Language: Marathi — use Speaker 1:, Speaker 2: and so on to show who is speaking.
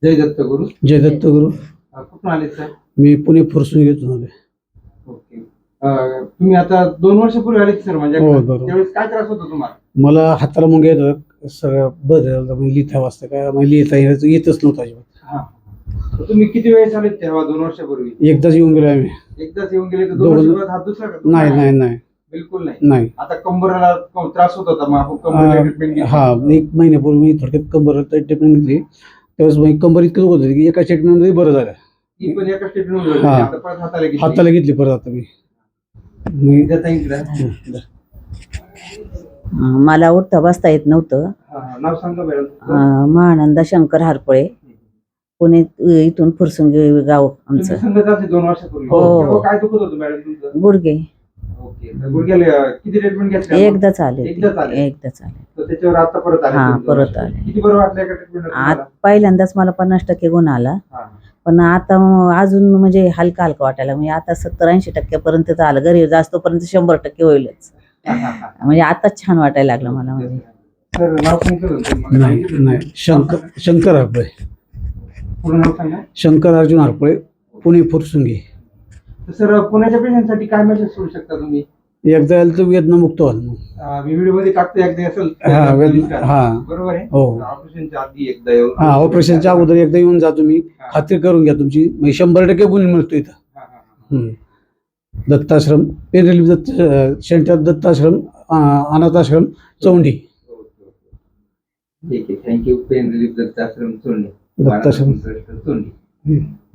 Speaker 1: जय दत्त गुरु.
Speaker 2: जय दत्त गुरु.
Speaker 1: कुठून आले सर?
Speaker 2: मी पुणे फुरसून घेतो आले.
Speaker 1: ओके. तुम्ही आता 2 वर्षापूर्वी आले सर माझ्या.
Speaker 2: हो बरोबर.
Speaker 1: त्यावेळेस काय त्रास होता तुम्हाला?
Speaker 2: मला हाताला मुंग्या येतात सगळं बदल लिहिता वाजता काय मला लिहिता येतच नव्हतं अजिबात.
Speaker 1: तर तुम्ही किती वेळेस आले तेव्हा 2 वर्षापूर्वी?
Speaker 2: एकदाच येऊन गेलो आम्ही.
Speaker 1: एकदाच येऊन गेले तर 2 वर्षात हात दुसरा का?
Speaker 2: नाही नाही नाही
Speaker 1: बिलकुल नाही.
Speaker 2: नाही.
Speaker 1: आता कंबरला त्रास होत होता, मग आपण कंबरला ट्रीटमेंट घेतली.
Speaker 2: हा 1 महिन्यापूर्वी मी थोडक्यात कंबरला ट्रीटमेंट घेतली. त्यावेळेस माझी कंबर इतकं होत होती की एका ट्रीटमेंटमध्ये बरं झालं.
Speaker 1: ती पण एका ट्रीटमेंट मध्ये. आता परत
Speaker 2: हाताला घेतली परत आता मी.
Speaker 3: मला उठता बसता येत नव्हतं.
Speaker 1: नाव सांगा मॅडम.
Speaker 3: महानंदा शंकर हारपळे, पुणे इथून फुरसुंगी गाव आमचं.
Speaker 1: 2 वर्षापूर्वी.
Speaker 3: हो.
Speaker 1: काय दुखत होतं मॅडम तुमचं?
Speaker 3: गुडघे.
Speaker 1: ओके. तर गुडघ्याला किती ट्रीटमेंट घेतली?
Speaker 3: एकदाच आले.
Speaker 1: एकदाच आले.
Speaker 3: तर
Speaker 1: त्याच्यावर आता परत आले.
Speaker 3: हा परत आले.
Speaker 1: किती बरं वाटलं एका ट्रीटमेंट?
Speaker 3: पहिल्यांदाच मला 50% गुण आला, पण आता अजून म्हणजे हलका हलका वाटायला, म्हणजे आता 70-80% पर्यंत आलं. घरी जास्तपर्यंत 100% होईलच. म्हणजे आता छान वाटायला लागलं मला. म्हणजे
Speaker 1: सर नाव सांगितलं?
Speaker 2: नाही नाही. शंकर हरपळे.
Speaker 1: पूर्ण नाव सांगा.
Speaker 2: शंकर अर्जुन हरपळे, पुणे फुरसुंगी.
Speaker 1: सर पुण्याच्या पेशंटसाठी काय मेसेज सोडू शकता तुम्ही?
Speaker 2: एकदा यायला तर वेदनामुक्त व्हाल.
Speaker 1: मी व्हिडिओ मध्ये टाकतो, एकदा असेल बरोबर आहे.
Speaker 2: हो.
Speaker 1: ऑपरेशनच्या आधी एकदा येऊन.
Speaker 2: ऑपरेशनच्या अगोदर एकदा येऊन जा तुम्ही, खात्री करून घ्या तुमची. म्हणजे 100% गुण मिळतो इथं. दत्ताश्रम पेन दत्त सेंटर, दत्ताश्रम अनाथाश्रम चौंडी.
Speaker 1: ठीक आहे. Thank you. Pain relief Dattashram Chondi.
Speaker 2: Dattashram
Speaker 1: Chondi.